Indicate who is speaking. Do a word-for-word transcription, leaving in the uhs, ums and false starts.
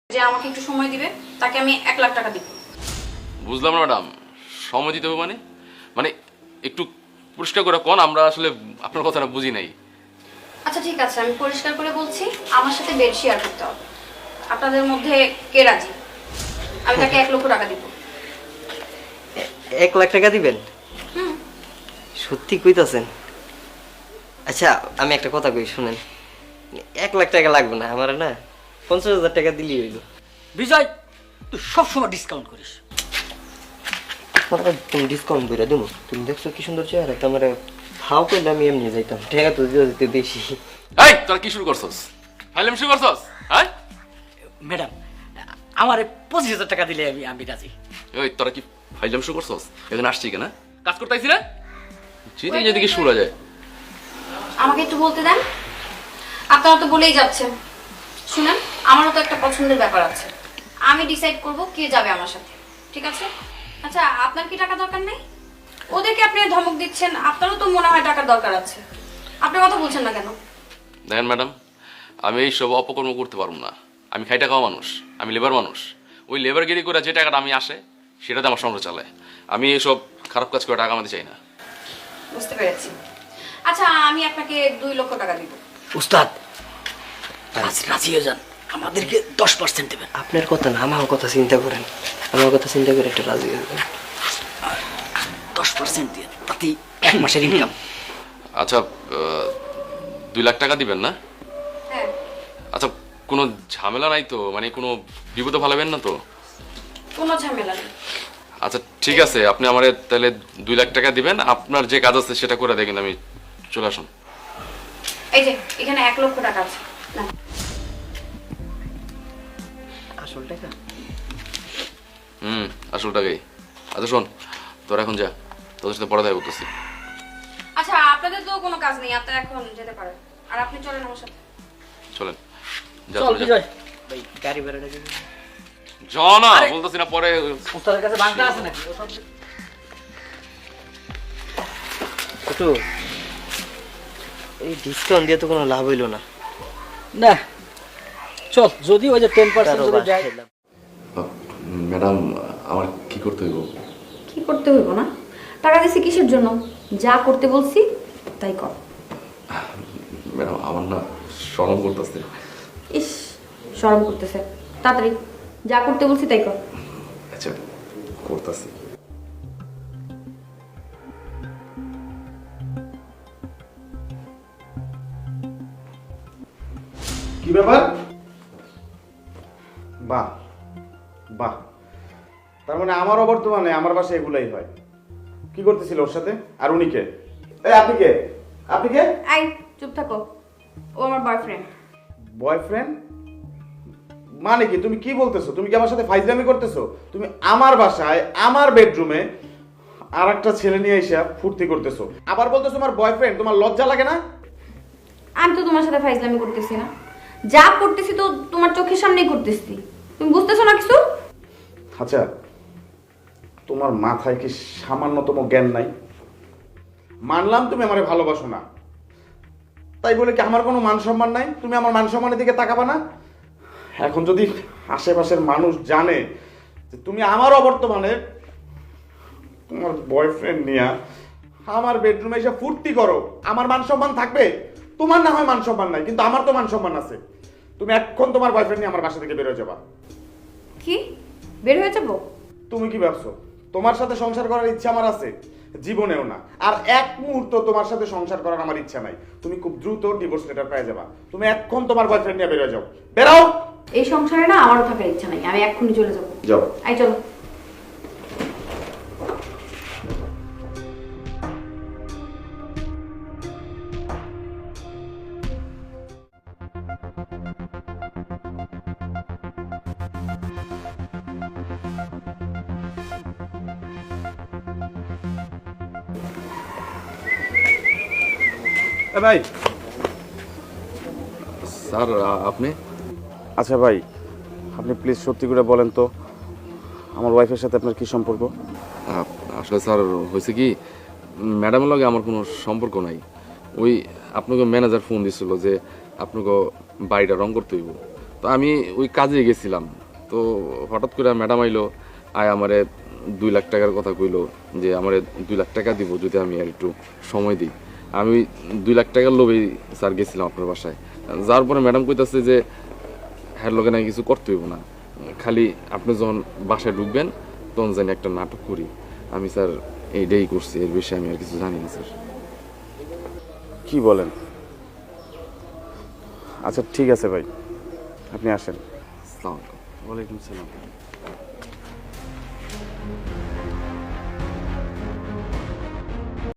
Speaker 1: যে আমাকে একটু সময় দিবে তাকে আমি এক লাখ টাকা দিব।
Speaker 2: বুঝলাম না ম্যাডাম, সময় দিতে হবে মানে মানে একটু পরিষ্কার করে কোন, আমরা আসলে আপনার কথাটা বুঝি নাই।
Speaker 1: আচ্ছা ঠিক আছে, আমি পরিষ্কার করে বলছি, আমার সাথে বেড শেয়ার করতে হবে। আপনাদের মধ্যে কে রাজি? আমি তাকে এক লক্ষ টাকা দিব।
Speaker 3: এক লাখ টাকা দিবেন?
Speaker 1: হুম।
Speaker 3: সত্যি কইতাছেন? আচ্ছা আমি একটা কথা কই শুনেন, এক লাখ টাকা লাগবে না আমার, না পঞ্চাশ হাজার টাকা দিলেই হইল।
Speaker 4: বিজয়, তুই সবসময় ডিসকাউন্ট করিস।
Speaker 3: তুমি ডিসকাউন্ট করে দেবো? তুমি দেখছো কি সুন্দর চেহারা, তোমার ভাও করলে আমি এমনি যাইতাম, টাকা তো দিতে দিতে বেশি।
Speaker 2: এই তোরা কি শুরু করছস? ফাইলাম শুরু করছস? হ্যাঁ
Speaker 4: ম্যাডাম, আমার পঁচিশ হাজার টাকা দিলে আমি আমি রাজি।
Speaker 2: ওই তোরা কি ফাইলাম শুরু করছস? এখানে আসছি কেন? কাজ করতে আইছি না? যেতে যেদিকে শুরু যায়।
Speaker 1: আমাকে একটু বলতে দেন। আপনারা তো বলেই যাচ্ছেন। শুনেন, আমারও তো একটা পছন্দের ব্যাপার আছে। আমি ডিসাইড করব কে যাবে আমার সাথে, ঠিক আছে? আচ্ছা আপনার কি টাকা দরকার নেই? ওদেরকে আপনি ধমক দিচ্ছেন, আপনারও তো মনে হয় টাকার দরকার আছে। আপনি কথা বলছেন না কেন?
Speaker 2: দেখেন ম্যাডাম, আমি এই সব অপকর্ম করতে পারবো না। আমি খাইটা খাওয়া মানুষ, আমি লেবার মানুষ। ওই লেবারগিরি করে যে টাকাটা আমি আসে সেটাতে আমার সংসার চলে। আমি এইসব খারাপ কাজ করে টাকা আমাদের চাই না।
Speaker 1: বুঝতে পেরেছি। আচ্ছা আমি আপনাকে দুই লক্ষ টাকা দিব।
Speaker 4: উস্তাদ, রাজি রাজি হয়ে যান, আমাদেরকে দশ পার্সেন্ট দেবেন।
Speaker 3: আপনার কথা না, আমার কথা চিন্তা করেন, আমার কথা চিন্তা করে একটা রাজি হয়ে যাবেন।
Speaker 4: দশ পার্সেন্ট দিয়ে তাতেই এক মাসের ইনকাম।
Speaker 2: আচ্ছা আহ, দুই লাখ টাকা দিবেন না?
Speaker 1: হ্যাঁ।
Speaker 2: আচ্ছা কোনো ঝামেলা নাই তো? মানে কোনো বিপদে ফালাবেন না তো?
Speaker 1: কোনো ঝামেলা নেই।
Speaker 2: আচ্ছা ঠিক আছে, আপনি আমার তাহলে দুই লাখ টাকা দিবেন। আপনার যে কাজ আছে সেটা করে দেখেন, আমি চলে আসুন।
Speaker 1: এই যে এখানে এক লক্ষ টাকা আছে না।
Speaker 3: আসল টাকা?
Speaker 2: হুম, আসল টাকাই। আচ্ছা শোন, তোর এখন যা, তোদের সাথে পড়া দেয় করতেছি।
Speaker 1: আচ্ছা আপনাদের তো কোনো কাজ নেই, আপনারা এখন যেতে পারেন। আর আপনি চলেন আমার সাথে।
Speaker 2: চলেন যা,
Speaker 4: চল
Speaker 2: তোরা যা।
Speaker 4: বিজয়,
Speaker 3: ভাই গাড়ি ভাড়াটা দিবেন?
Speaker 2: যা না, বলতেছি না পরে।
Speaker 4: উস্তাদের কাছে বাংলা আছে নাকি? ও সব
Speaker 3: একটু এই ডিসকাউন্ট দিয়ে তো কোনো লাভ হইলো না।
Speaker 4: না, চল যদি ওই যে টেন পার্সেন্ট যদি যায়।
Speaker 2: ম্যাডাম আমার কি করতে হইব?
Speaker 1: কি করতে হইব না? টাকা দিছি কিসের জন্য? যা করতে বলছি তাই কর।
Speaker 2: ম্যাডাম আমার না শরম করতেছে।
Speaker 1: ইস, শরম করতেছে। তাড়াতাড়ি যা করতে বলছি তাই কর।
Speaker 2: আচ্ছা করতেছি।
Speaker 5: কি ব্যাপার? বাহ বাহ, তার মানে আমারও বর্তমানে আমার বাসায় এগুলাই হয়। কি করতেছিল ওর সাথে? আর উনি কে? এই আপনি কে? আপনি কে?
Speaker 1: আই চুপ থাকো, ও আমার বয়ফ্রেন্ড।
Speaker 5: বয়ফ্রেন্ড মানে কি? তুমি কি বলতেছো? তুমি কি আমার সাথে ফাইজলামি করতেছো? তুমি আমার বাসায় আমার বেডরুমে আর একটা ছেলে নিয়ে এসে ফুর্তি করতেছো, আবার বলতেছো আমার বয়ফ্রেন্ড। তোমার লজ্জা লাগে না?
Speaker 1: আমি তো তোমার সাথে ফাইজলামি করতেছি না, যা করতেছি তো তোমার চোখের সামনেই করতেছি। তুমি বুঝতেছো না কিছু?
Speaker 5: আচ্ছা তোমার মাথায় কি সামান্যতম জ্ঞান নাই? মানলাম তুমি আমারে ভালোবাসো না, তাই বলে কি আমার কোনো মান সম্মান নাই? তুমি আমার মান সম্মানের দিকে তাকাবা না? এখন যদি আশেপাশের মানুষ জানে যে তুমি আমার অবর্তমানে তোমার বয়ফ্রেন্ড নিয়ে আমার বেডরুমে এসে ফুর্তি করো, আমার মান সম্মান থাকবে? তোমার না হয় মান সম্মান নাই, কিন্তু আমার তো মান সম্মান আছে। তুমি এখন তোমার বয়ফ্রেন্ড নিয়ে আমার বাসা থেকে বের হয়ে যাবা।
Speaker 1: কি বের হয়ে যাবো?
Speaker 5: তুমি কি ভাবছো তোমার সাথে সংসার করার ইচ্ছা আমার আছে? জীবনেও না। আর এক মুহূর্ত তোমার সাথে সংসার করার আমার ইচ্ছা নাই। তুমি খুব দ্রুত ডিভোর্স লেটার পেয়ে যাবা। তুমি এখন তোমার বয়ফ্রেন্ড নিয়ে বের হয়ে যাও। বেরাও।
Speaker 1: এই সংসারে না আমারও থাকার ইচ্ছা নাই, আমি এক্ষুনি চলে যাবো।
Speaker 5: যাও।
Speaker 1: আই চলো।
Speaker 5: ভাই।
Speaker 2: স্যার আপনি?
Speaker 5: আচ্ছা ভাই, আপনি প্লিজ সত্যি করে বলেন তো আমার ওয়াইফের সাথে আপনার কি সম্পর্ক?
Speaker 2: আসলে স্যার হয়েছে কি, ম্যাডামের লগে আমার কোনো সম্পর্ক নাই। ওই আপনাকে ম্যানেজার ফোন দিছিল যে আপনাকে বাড়িটা রং করতে হইব, তো আমি ওই কাজে গেছিলাম, তো হঠাৎ করে ম্যাডাম আইলো, আয় আমারে দুই লাখ টাকার কথা কইলো যে আমারে দুই লাখ টাকা দিব যদি আমি আর একটু সময় দিই। আমি ওই দুই লাখ টাকার লোভেই স্যার গেছিলাম আপনার বাসায়। যাওয়ার পরে ম্যাডাম কইতাছে যে হ্যার লোকে নাকি কিছু করতে হইব না, খালি আপনি যখন বাসায় ঢুকবেন তখন জানি একটা নাটক করি। আমি স্যার এইটাই করছি, এর বিষয়ে আমি আর কিছু জানি না স্যার।
Speaker 5: কি বলেন? আচ্ছা ঠিক আছে ভাই, আপনি আসেন।
Speaker 2: আসসালামু আলাইকুম।
Speaker 5: ওয়ালাইকুম সালাম।